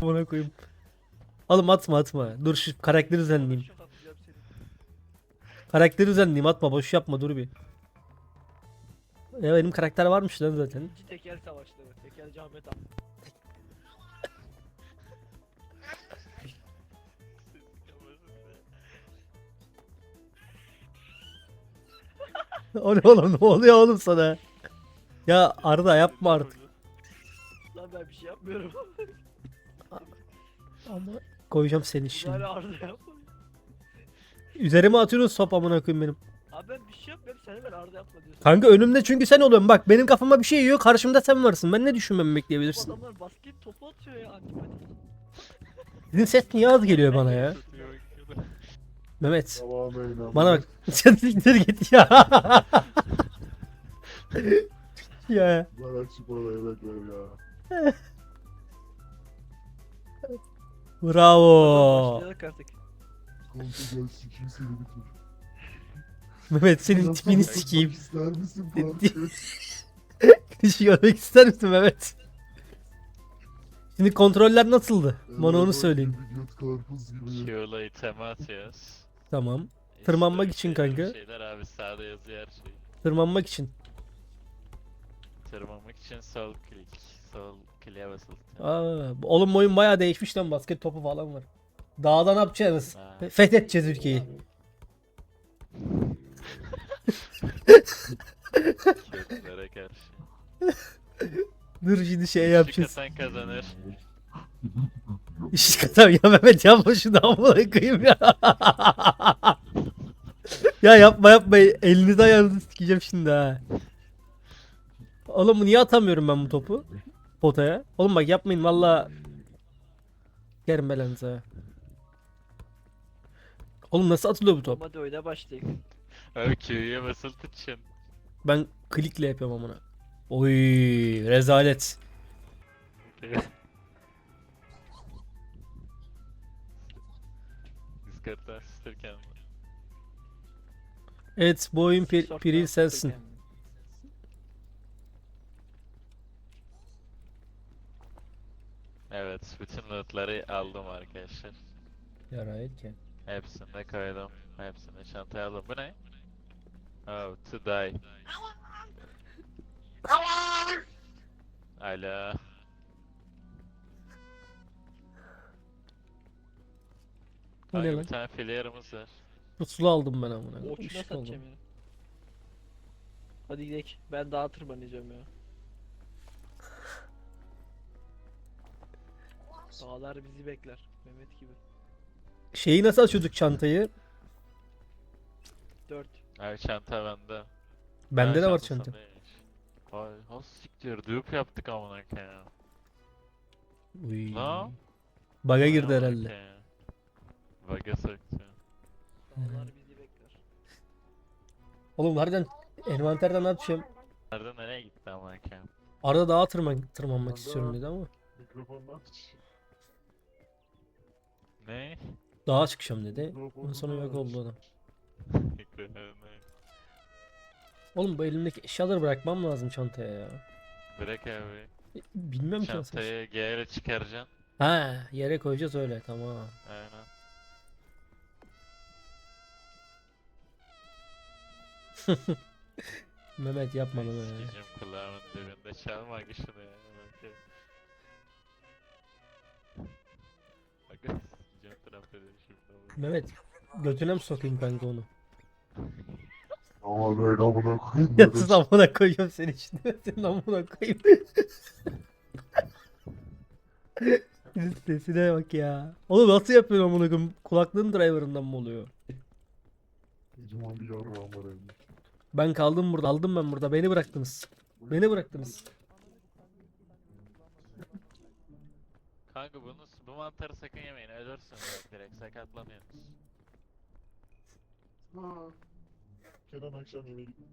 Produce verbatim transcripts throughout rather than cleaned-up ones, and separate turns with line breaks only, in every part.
Buna koyayım. Oğlum atma atma. Dur şu karakteri düzenleyeyim.
Şok atacağım seni.
Karakteri düzenleyeyim atma boş yapma dur bir. Ya benim karakter varmış lan zaten.
İkinci tekel savaşları. Tekelci Ahmet abi.
O ne oğlum ne oluyor oğlum sana? Ya Arda yapma artık.
Lan ben bir şey yapmıyorum.
Ama koyacağım seni
Şimdi.
şimdi.
Arda yapma.
Üzerime atıyorsun sop amına koyayım benim.
Abi ben bir şey yapmıyorum. Sen hemen Arda yapma diyorsun.
Kanka önümde çünkü sen oluyorsun. Bak benim kafama bir şey yiyor. Karşımda sen varsın. Ben ne düşünmemi
Bu
bekleyebilirsin?
adamlar basket topu atıyor ya antipatik.
Sizin ses niye az geliyor bana ya? Mehmet.
Tamamen
Bana bak. Sen siktir git ya. Ya.
Bırak şu parayı evet ver ya.
Bravo.
Başlayarak artık.
Kanka gel sikeyim seni bir tur.
Mehmet senin
Yapma,
tipini
yapmak
sikeyim.
İster misin kanka?
Hiç görmek ister misin Mehmet? Şimdi kontroller nasıldı? Bana onu
Evet,
söyleyin.
gibi göt karpuz gibi.
Q'la iteme atıyoruz.
Tamam.
İşte
Tırmanmak
bir
için
şeyler,
kanka.
bir Şeyler abi sağda yazıyor her şey.
Tırmanmak için.
Tırmanmak için sol klik. Sol kliğe basılı.
Aa, oğlum oyun bayağı değişmiş lan basket topu falan var. Dağda ne yapacağız?
Ha.
Fethedeceğiz ülkeyi.
Köklere karşı.
Dur şimdi şey
Işık
yapacağız.
atan kazanır.
İşte kadar ya Mehmet yapma şunu amına koyayım ya. Ya yapma yapma elinizi ayağınızı sikeceğim şimdi ha. Oğlum niye atamıyorum ben bu topu? Potaya. Oğlum bak yapmayın valla. Yerim belanızı ha. Oğlum nasıl atılıyor bu top?
Hadi oyuna başlayalım.
Abi Q'ya basılı tutacaksın.
Ben klikle yapıyorum amına. Oy rezalet.
Discord'dan asistirken.
Evet bu oyun pir,
Sorttan
piril sensin.
sıkırken.
Evet, bütün lootları aldım arkadaşlar.
Yarayet ki.
Hepsini de koydum. Hepsini çantaya aldım. Bu ne? Oh, to die. Alo.
Bu ne
Kanka
lan?
bir tane filyarımız var.
Pusula aldım ben amına.
Oçuna
Işık
satacağım
aldım.
ya. Hadi gidelim. Ben daha tırmanacağım ya. Dağlar bizi bekler. Mehmet gibi.
Şeyi nasıl açıyorduk çantayı?
Dört.
Abi çanta bende.
Bende
Ha,
de var
çanta
çanta.
sendeymiş. Vay, has siktir. Dupe yaptık amına koyayım.
Uy.
Lan?
Bug'a
Vay
girdi
amına
herhalde.
koyayım. Bug'a soktu.
Dağlar bizi bekler.
Oğlum harbiden envanterden ne yapacağım?
Nerede nereye gitti amına koyayım?
Arada dağa tırman tırmanmak istiyorum dedi ama.
Mikrofonunu aç.
Ne?
Dağa çıkacağım dedi. Ondan sonra yok oldu adam. Oğlum bu elimdeki eşyaları bırakmam lazım çantaya ya.
Bırak abi.
Bilmem ki nasıl.
Çantayı G ile çıkaracaksın.
Ha yere koyacağız öyle tamam.
Aynen.
Mehmet yapma Mehmet.
Sikeceğim kulağımın dibinde. Çalma şunu ya. Bak. Bak sikeceğim trampede şimdi.
Mehmet götüne mi sokayım kanka onu?
Ama böyle amına koyayım.
Ya
böyle.
sus amına koyuyorum seni şimdi. Senin amına koyayım. Sesine bak ya. Oğlum nasıl yapıyorsun amına koyayım? Kulaklığın driver'ından mı oluyor?
Kocaman bir yarrağım var elimde.
Ben kaldım burada. Aldım ben burada. Beni bıraktınız. Beni bıraktınız.
Kanka bunu, bu mantarı sakın yemeyin. Ölürsünüz bak direkt sakatlanıyorsunuz.
Ha. Kenan akşam yemeği gitti.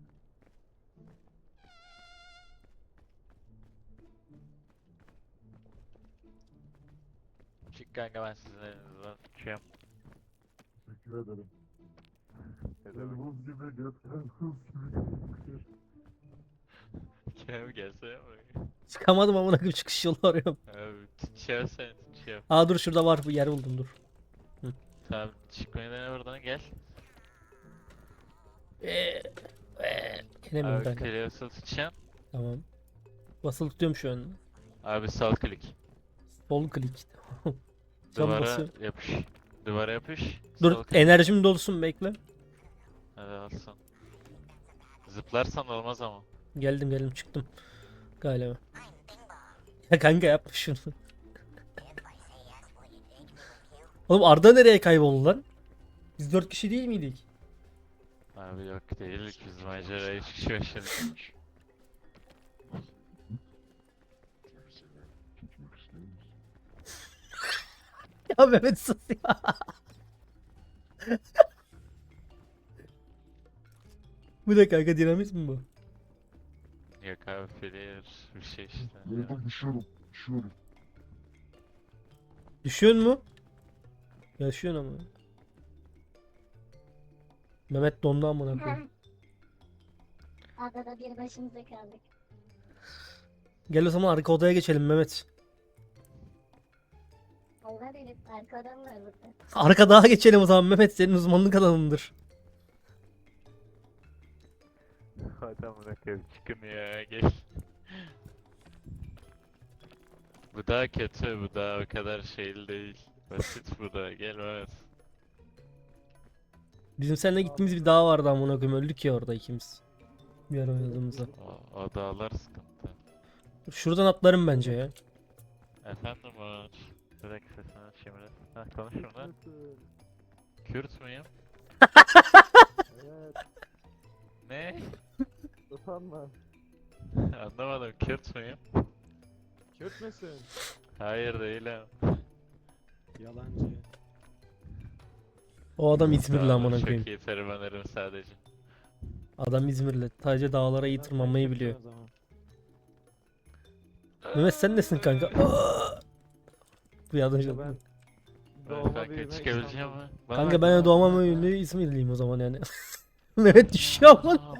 Çık kanka ben sizin elinizden çıkıyorum.
Teşekkür ederim.
Ne
Gel
demek?
buz gibi göt karpuz gibi.
Kerem gelsene buraya.
Çıkamadım amına koyayım çıkış yolu arıyorum.
Abi Tutuyor seni tutuyor.
Aa dur şurada var bir yer buldum dur.
Tamam çıkmayı dene buradan gel.
Eee, eee. Gelemiyorum
Abi
kanka.
Cleos'u tutacaksın.
Tamam. Basılı tutuyorum şu an.
Abi sağ klik.
Sol klik. Şu an
Duvara
basıyorum.
yapış. Duvara yapış.
Dur
sol klik.
enerjim dolsun bekle.
Hadi alsın. Zıplarsan olmaz ama.
Geldim geldim çıktım. Galiba. Ya kanka yapma şunu. Oğlum Arda nereye kayboldu lan? Biz dört kişi değil miydik?
Abi yok değildik biz maceraya üç kişi başladık.
Küçük isteğimiz.
Ya Mehmet sus ya. Bu ne kanka dinamit mi bu?
Yok abi player bir şey işte.
Nerede düşüyorum. Düşüyorum.
Düşüyor mu? Yaşıyorsun ama. Mehmet dondu amına koyayım.
Adada bir başımıza kaldık.
Gel o zaman arka odaya geçelim Mehmet.
Allah bilir arkadan var burada.
Arka daha geçelim o zaman Mehmet senin uzmanlık alanındır.
Hadi amına koyayım çıkın ya gel. Bu daha kötü, bu daha o kadar şeyli değil. Basit bu da, gel Mehmet.
Bizim seninle gittiğimiz bir dağ vardı amına koyayım öldük ya orada ikimiz. Bir ara oynadığımızda.
O, o dağlar sıkıntı.
Şuradan atlarım bence ya.
Efendim Umut. Bir dakika sesini açayım biraz. Heh konuş şurada. Kürt müyüm?
Evet.
Ne?
Utanma.
Anlamadım, Kürt müyüm?
Kürt müsün?
Hayır değilim.
Yalancı.
O adam İzmirli
Tamam,
amına
çok
koyayım.
iyi termanlarım sadece.
Adam İzmirli. Sadece dağlara iyi tırmanmayı biliyor. Mehmet sen nesin kanka? Aa! Bu yardım
Ben
Evet,
doğma
kanka
büyüme
çıkabileceğim
İstanbul.
mi? Bana
Kanka
bak.
ben de doğmam ünlü İzmirliyim o zaman yani. Mehmet düşüyor ama.
Aa,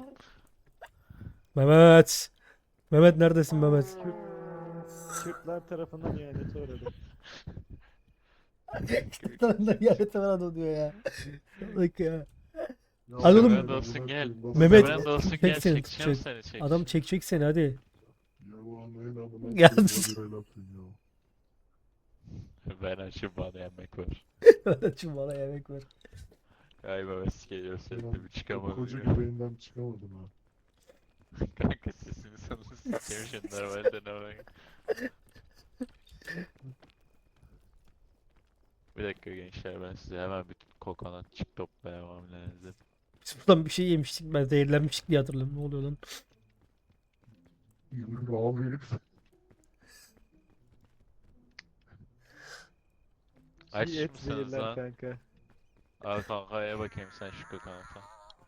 Mehmet. Mehmet neredesin Mehmet?
Kürtler tarafından ihanete uğradım.
Tanrı'ndan ihanet falan diyor ya. Bak ya.
Ya
Hadi oğlum.
Mehmet
olsun, gel.
Mehmet,
Mehmet olsun
çek
gel
seni,
çekeceğim
çek.
seni çek.
Adam çekecek seni hadi.
Ya ulan neyin amına
Ya
koyayım,
sus.
bir el atın ya.
Ben açım bana yemek var.
Şimdi bana yemek ver.
Galiba West geliyor seni de bir
O
çıkamadım
koca
ya.
göbeğinden çıkamadım ha.
Kanka sesini sana sikeyim şimdi normalde ne var? Bir dakika gençler ben size hemen bir kokonatçık toplayamam lazım.
Biz buradan bir şey yemiştik ben zehirlenmiştik diye hatırlıyorum. Ne oluyor lan?
Yürü abi.
Aç
Çiğ et
mısınız
verirler
lan?
kanka.
Al kanka ye bakayım sen şu kokonata.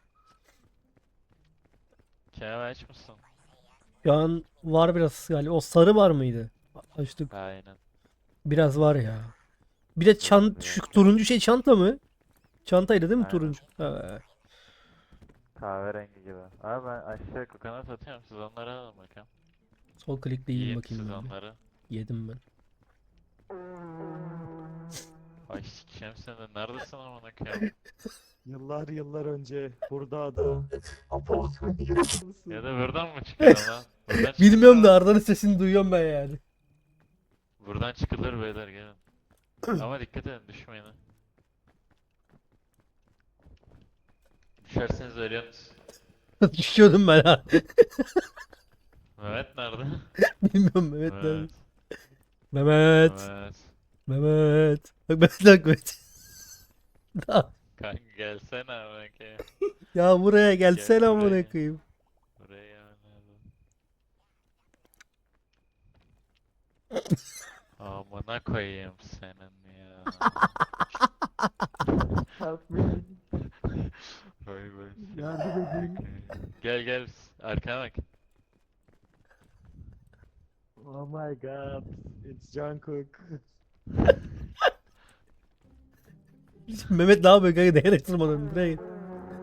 Kemal aç mısın?
Şu an var biraz galiba. O sarı var mıydı? Açtık.
Aynen.
Biraz var ya. Bir de çant şu turuncu şey çanta mı? Çantaydı değil mi
Aynen.
turuncu? Ha.
Kahverengi gibi. Abi ben aşağı kokonat atıyorum siz onları alın bakalım.
Sol klikle yiyeyim
Yiyin
bakayım.
siz
ben bir.
onları.
Yedim ben.
Ay sikeceğim seni de neredesin amına koyayım?
Yıllar yıllar önce burada ada.
Ya da buradan mı çıkıyor lan? Buradan çıkılır
Bilmiyorum
mı?
da Arda'nın sesini duyuyorum ben yani.
Buradan çıkılır beyler gelin. Ama dikkat edin düşmeyin ha. Düşerseniz ölüyorsunuz.
Düşüyordum ben ha.
Mehmet nerede?
Bilmiyorum Mehmet nerede?
Mehmet.
Mehmet.
Mehmet.
Mehmet. Bak Mehmet bak Mehmet. Da-
Kanka gelsene amına koyayım.
Ya buraya gelsene
Gel
amına
buraya.
koyayım.
Buraya nerede? Amına koyayım senin ya.
Help me.
Vay vay.
Yardım edin.
Gel gel arkana bak.
Oh my god. It's Jungkook.
Mehmet ne yapıyor kanka değerek tırmanıyorum. Buraya gel.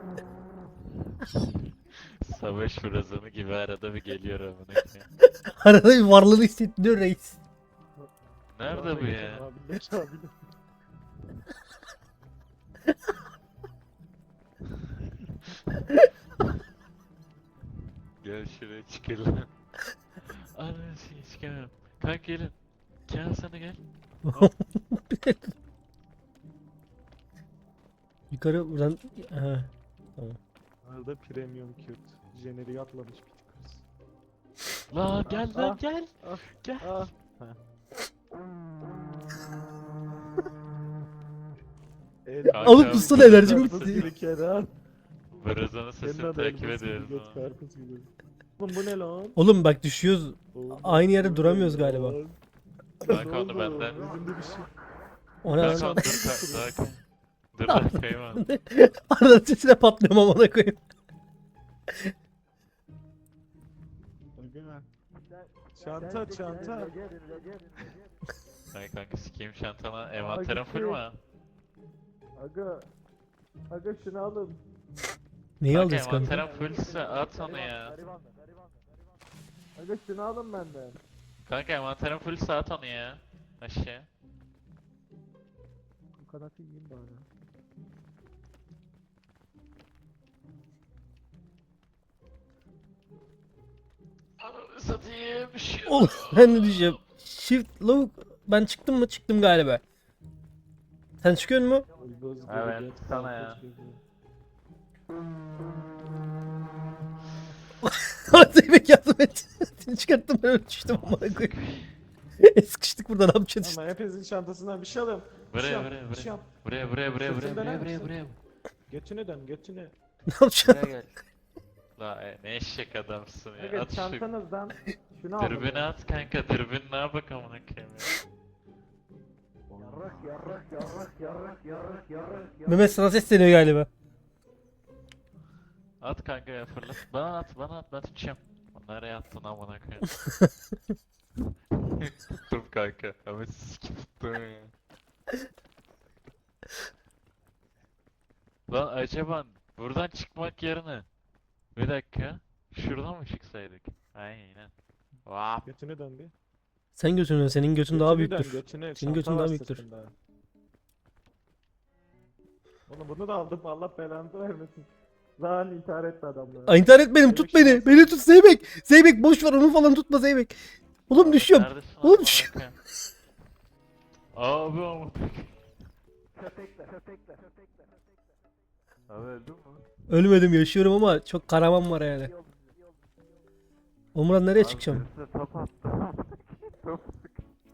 Savaş fırazanı gibi arada bir geliyor amına koyayım.
Arada bir varlığını hissettiriyor reis.
Nerede bu ya?
Abiler abiler.
Gel şuraya çıkalım. Ananı sikeyim çıkamıyorum. Kanka gelin. Kenan sana gel.
Yukarı buradan... Ha.
Arada premium cute. Jeneriği atlamış bir tık.
Lan gel lan
Ah,
gel.
ah,
Gel.
Ah.
Kanka,
Alıp tutsana enerjim
Karpuz
bitti.
gibi Kenan.
Brazan'ın
Senin
sesini
de
takip
elbise gibi,
ediyoruz.
göt
ha.
karpuz gibi. Oğlum bu ne lan?
Oğlum bak düşüyoruz.
Oğlum,
Aynı yerde
bu ne
duramıyoruz
lan?
galiba.
Kanka
Ne
onu
oldu?
benden.
Yüzümde bir şey.
O ne
Kanka
lan?
dur ka- daha kay. Dur daha kayma.
Arada sesine patlıyorum amına koyayım.
Aga. Çanta çanta.
Ay kanka sikeyim şantana. Envanterim full mu?
Aga. Aga şunu alın.
Neyi
Kanka
alacağız kanka?
envanterim fullse at onu ya.
Aga şunu alın benden.
Kanka envanterim fullse at onu ya. Aşağı.
Bu kadar yiyeyim bari.
Ananı satayım. Şu.
Oğlum ben de diyeceğim. Shift lavuk. Ben çıktım mı? Çıktım galiba. Sen çıkıyor mu?
Ulduz gibi
Evet,
göt
sana
karpuz
ya.
gibi.
Zeybek yardım et. Seni çıkarttım ben öyle düştüm amına koyayım. Sıkıştık burada ne yapacağız işte.
Ama hepinizin çantasından bir şey alayım. Bir şey
Buraya
yap,
buraya
bir şey
buraya.
yap.
Buraya buraya buraya buraya
Sırtını
buraya
döner
buraya
misin?
buraya.
Götünü dön götünü.
Ne yapacağız?
Buraya gel. La e, ne eşek adamsın ya.
Aga
At şu
çantanızdan şunu alın.
dürbünü
ya.
at kanka dürbününe bak amına koyayım ya.
Mehmet sana sesleniyor galiba.
At kanka ya fırlat. Bana at bana at ben tutacağım. Nereye attın amına koyayım. Tuttum kanka. Ama sikim tuttum ya. Lan acaba buradan çıkmak yerine bir dakika şuradan mı çıksaydık? Aynen. Vap.
Götünü dön bir.
Sen götünü, senin götün daha
Götünü dön,
büyüktür.
götünü.
Senin
Çanta
götün
var
daha büyüktür.
sırtında. Oğlum bunu da aldım Allah belanı vermesin. Lan intihar etti adamlar.
Ay intihar etmedim, tut
Zeybek
beni.
şans-
Beni tut Zeybek. Zeybek boş ver onu falan tutma Zeybek. Oğlum düşüyorum.
Neredesin
Oğlum
amına
düşüyorum.
koyayım? Abi amına koyayım. Abi öldün mü?
Ölmedim yaşıyorum ama çok karaman var yani. Omran nereye çıkacağım?
Birisine top attı. Top sık.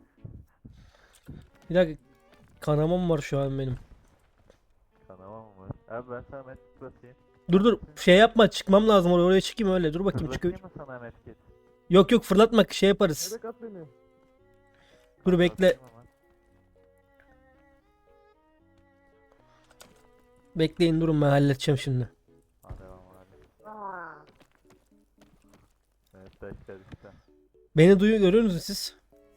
Bir dakika. Kanamam var şu an benim.
Kanama mı var? Abi ben sana medkit basayım.
Dur dur şey yapma çıkmam lazım oraya, oraya çıkayım öyle dur bakayım çıkıyor.
Fırlatayım mı sana medkit?
Yok yok fırlatma şey yaparız.
Zeybek at beni.
Dur bekle.
Fırlatayım ama.
Bekleyin durun ben halledeceğim şimdi.
Hadi devam hadi. Evet taşlar işte.
Beni duyuyor görüyor musunuz siz?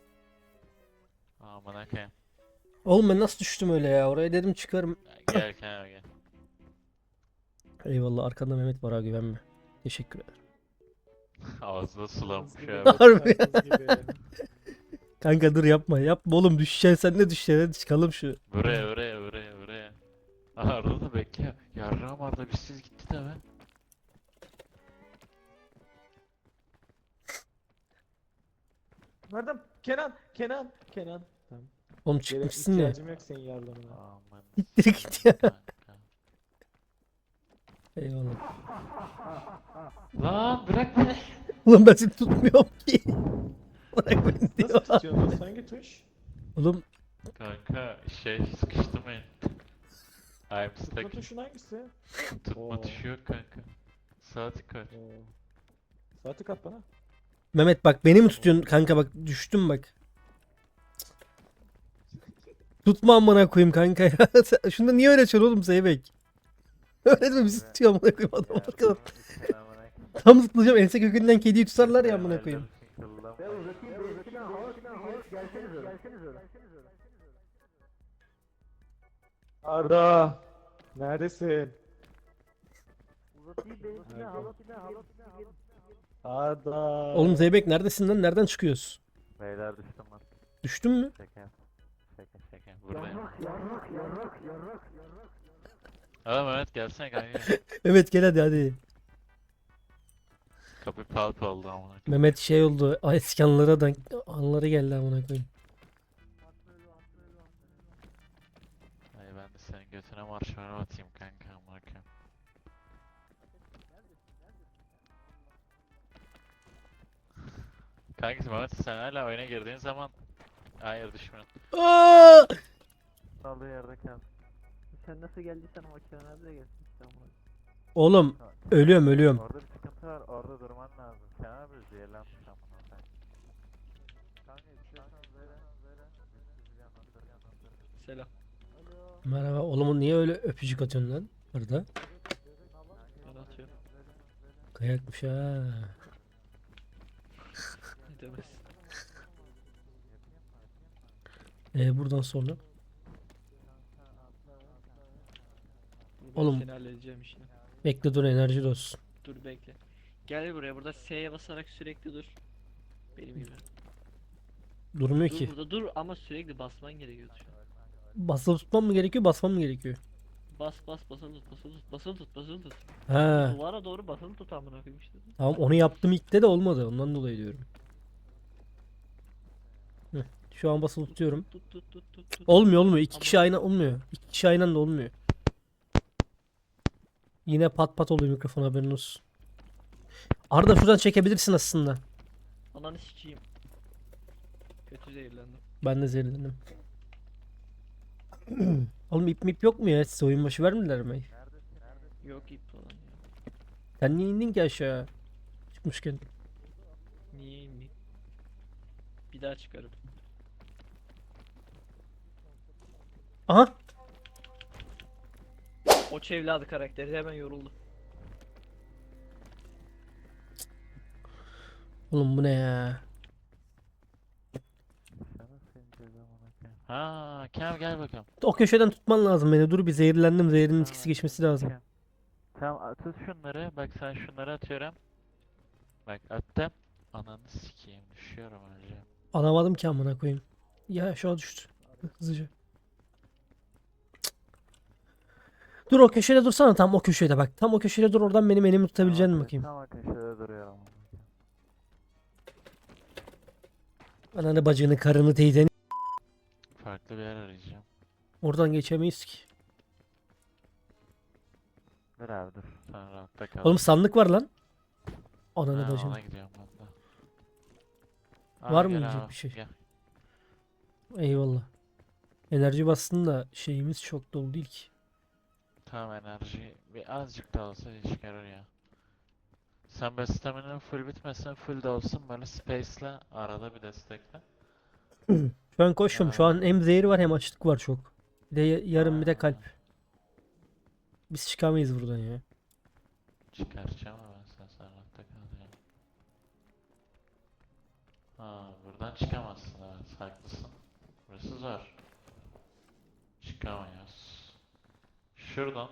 Aman akayım.
Oğlum ben nasıl düştüm öyle ya oraya dedim çıkarım.
Gel Kenan gel.
Eyvallah arkanda Mehmet var ha güvenme. Teşekkür ederim.
Ağzına sulanmış
Gibi,
abi.
Harbi.
karpuz gibi.
Kanka dur yapma yapma oğlum düşeceksin sen de düşeceksin hadi çıkalım şu.
Buraya buraya buraya buraya. Aha Arda da bekle. Yarrağım Arda bizsiz gitti de be.
Nereden? Kenan, Kenan, Kenan. Tamam.
Oğlum
Gerek
çıkmışsın ya.
ihtiyacım yok senin yardımına.
Aman.
Siktir git ya.
kanka.
Eyvallah.
Lan bırak beni.
Oğlum ben seni tutmuyorum ki. Bırak beni
Nasıl
diyor.
tutuyorsun? Nasıl hangi tuş?
Oğlum
Kanka şey sıkıştı mı? I'm
Tutma
stuck.
tuşun hangisi?
Tutma
Oo.
tuşu yok kanka. Saati kaç?
Oo. Saati kat bana.
Mehmet bak beni mi tutuyorsun kanka bak düştüm bak. Tutma amına koyayım kanka ya. Sen- Şunda niye öyle açıyorsun oğlum Zeybek? Öğretme bizi tutuyor amına koyayım adam arkadan. Tam zıplayacağım ense kökünden kediyi tutarlar ya amına koyayım.
Arda. Neredesin? Arda.
Oğlum Zeybek neredesin lan? Nereden çıkıyoruz?
Beyler düştüm lan.
Düştün mü?
Şaka. Şaka şaka. Buradayım. Adam Mehmet gelsene kanka.
Evet gel hadi hadi.
Kapı palp oldu amına.
Mehmet şey oldu. Ay, eski anılara da anıları geldi amına koyayım.
Ay ben de senin götüne marshmallow atayım kanka amına koyayım. Kankası Mehmet sen hala oyuna girdiğin zaman hayır düşmüyorsun.
Aa!
Aldığı yerde kal.
Sen nasıl geldiysen o kenarda da gelsin işte ama.
Oğlum ölüyorum ölüyorum.
Orada bir sıkıntı var, orada durman lazım. Kenan abi zehirlenmiş amına koyayım. Kanka istiyorsan böyle böyle bir şey anlatır anlatır.
Selam.
Merhaba. Oğlum niye öyle öpücük atıyorsun lan? Orada.
Ben atıyorum.
Kayakmış ha.
Ne demez.
Ee, buradan sonra.
Ben
Oğlum.
seni halledeceğim işini.
Bekle dur enerji olsun.
Dur bekle. Gel buraya, burada S'ye basarak sürekli dur. Benim gibi.
Durmuyor
Dur
ki.
burada dur ama sürekli basman gerekiyordu şu an.
Basılı tutmam mı gerekiyor basmam mı gerekiyor?
Bas bas basılı tut basılı tut basılı tut basılı tut.
Ha.
Duvara doğru basılı tut amına koyayım işte.
Tamam onu yaptım ilk de de olmadı. Ondan dolayı diyorum. Heh, şu an basılı tutuyorum.
Tut tut tut tut tut.
Olmuyor olmuyor. İki
Ama-
kişi aynı olmuyor. İki kişi aynı anda olmuyor. Yine pat pat oluyor mikrofon haberin olsun. Arda şuradan çekebilirsin aslında.
Ananı sikeyim. Kötü zehirlendim.
Ben de zehirlendim. Oğlum ip mip yok mu ya? Size oyun başı vermediler mi?
Yok ip falan ya.
Sen niye indin ki aşağı? Çıkmışken.
Niye inmeyeyim? Bir daha çıkarım.
Aha!
O evladı karakteri hemen yoruldu.
Oğlum bu ne ya?
Ha, Kenan gel bakalım.
O köşeden tutman lazım beni. Dur bir zehirlendim. Zehrin etkisi geçmesi lazım.
Kenan. Tamam a- tut şunları. Bak sen şunları atıyorum. Bak attım. Ananı sikeyim düşüyorum önce.
Alamadım ki amına koyayım. Ya şu an düştü. Hızlıca. Cık. Dur o köşede dursana tam o köşede bak. Tam o köşede dur oradan benim elimi tutabileceğini
Tamam,
bakayım.
Tamam köşede duruyorum.
Ananı bacını karını teyzeni.
Farklı bir yer arayacağım.
Oradan geçemeyiz ki.
Dur abi dur. Sen rahatta kal.
Oğlum sandık var lan. Ananı
Ha,
bacını.
ona gidiyorum ben de.
Var
Aa,
mı
gel
yiyecek
abi,
bir şey?
Gel.
Eyvallah. Enerji bastın da şeyimiz çok dolu değil ki.
Tamam enerji bir azıcık da olsa iş görür ya. Sen böyle stamina'nın full bitmesin full de olsun böyle space'le arada bir destekle.
Şu an koşuyorum. Şu an hem zehir var hem açlık var çok. Bir de ya- yarım bir de
Ha,
kalp. Biz çıkamayız buradan ya.
Çıkaracağım ama ben sen sen rahatta kal ya. Ha buradan çıkamazsın evet haklısın. Burası zor. Çıkamıyoruz. Şuradan.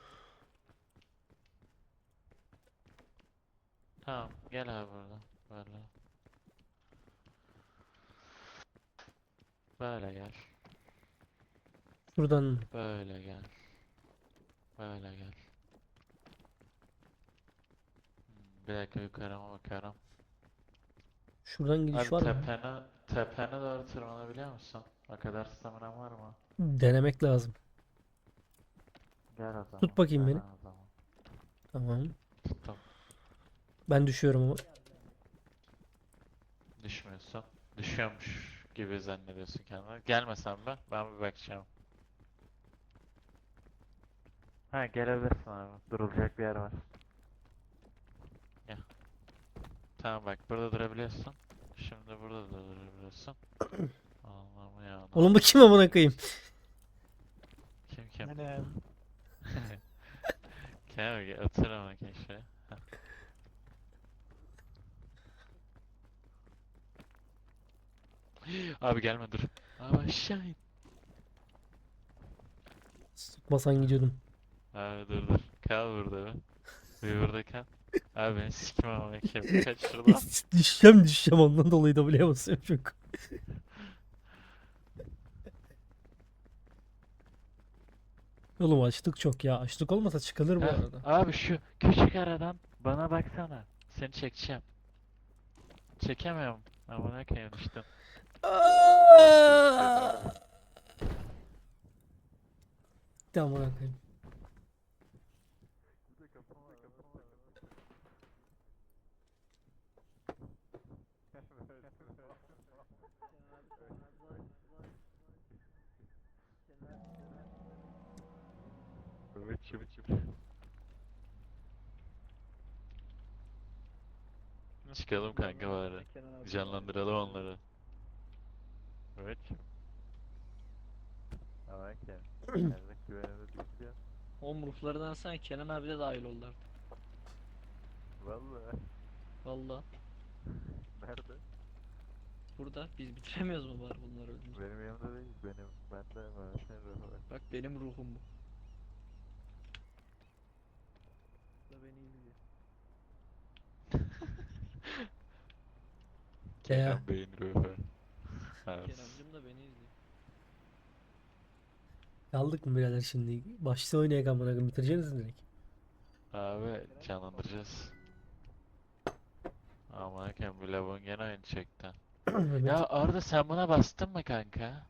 Tamam gel abi buradan. Böyle. Böyle gel.
Buradan.
Böyle gel. Böyle gel. Hmm, Bir dakika yukarıma bakarım.
Şuradan gidiş
Abi
var mı?
tepene, tepene doğru tırmanabiliyor musun? O kadar staminan var mı?
Denemek lazım.
Gel o zaman.
Tut bakayım
dene
beni.
o zaman.
Tamam.
Tuttum.
Ben düşüyorum ama.
Düşmüyorsun. Düşüyormuş gibi zannediyorsun kendini. Gelmesen ben, ben bir bakacağım. Ha gelebilirsin abi. Durulacak bir yer var. Gel. Tamam bak burada durabiliyorsun. Şimdi burada da durabiliyorsun. Allah'ım ya.
Oğlum bu kim amına koyayım?
Kim kim?
Anam.
Kenan gel otur ama keşke. Abi gelme dur. Abi aşağı in.
Tutmasan gidiyordum.
Abi dur dur. Kal burada be. Bir burada kal. Abi beni sikim ama kim kaç şuradan.
düşeceğim düşeceğim ondan dolayı W'ye basıyorum çok. Oğlum açlık çok ya. Açlık olmasa çıkılır bu
Heh,
arada.
abi şu küçük aradan bana baksana. Seni çekeceğim. Çekemiyorum. Amına koyayım düştüm.
Tamam koyayım.
Evet, evet, evet. Çıkalım kanka bari. Canlandıralım onları. Evet. Tamam ki. Erzak güvenimiz bitiyor.
Oğlum ruhlarından sen Kenan abi de dahil oldu artık.
Vallahi.
Valla.
Nerede?
Burada biz bitiremiyoruz mu bari bunları öldürünce?
Benim yanımda değil. Benim bende Mehmet'in ruhu var.
Bak benim ruhum bu. Bu da beni izliyor.
Ya.
Kenan Bey'in ruhu. Evet.
Kenancım da beni izliyor.
Kaldık mı birader şimdi? Başta oynayalım amına koyayım. Bitireceksiniz direkt.
Abi canlandıracağız. Aman koyayım bu lavuğun gene aynı çekti.
Mehmet,
Ya Arda sen buna bastın mı kanka?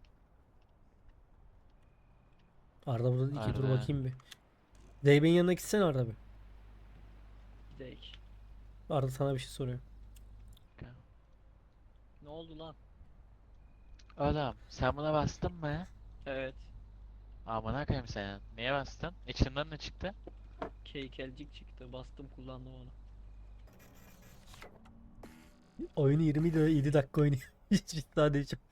Arda burada iki dur
Arda.
bakayım bir. Zeybek'in yanına gitsene Arda bir.
Gidek.
Arda sana bir şey soruyor.
Ne oldu lan?
Oğlum sen buna bastın mı?
Evet.
Amına koyayım sen. Niye bastın? İçinden ne çıktı?
Keykelcik çıktı. Bastım kullandım onu.
Oyunu yirmi yedi dakika oynuyor. Hiç daha değişim.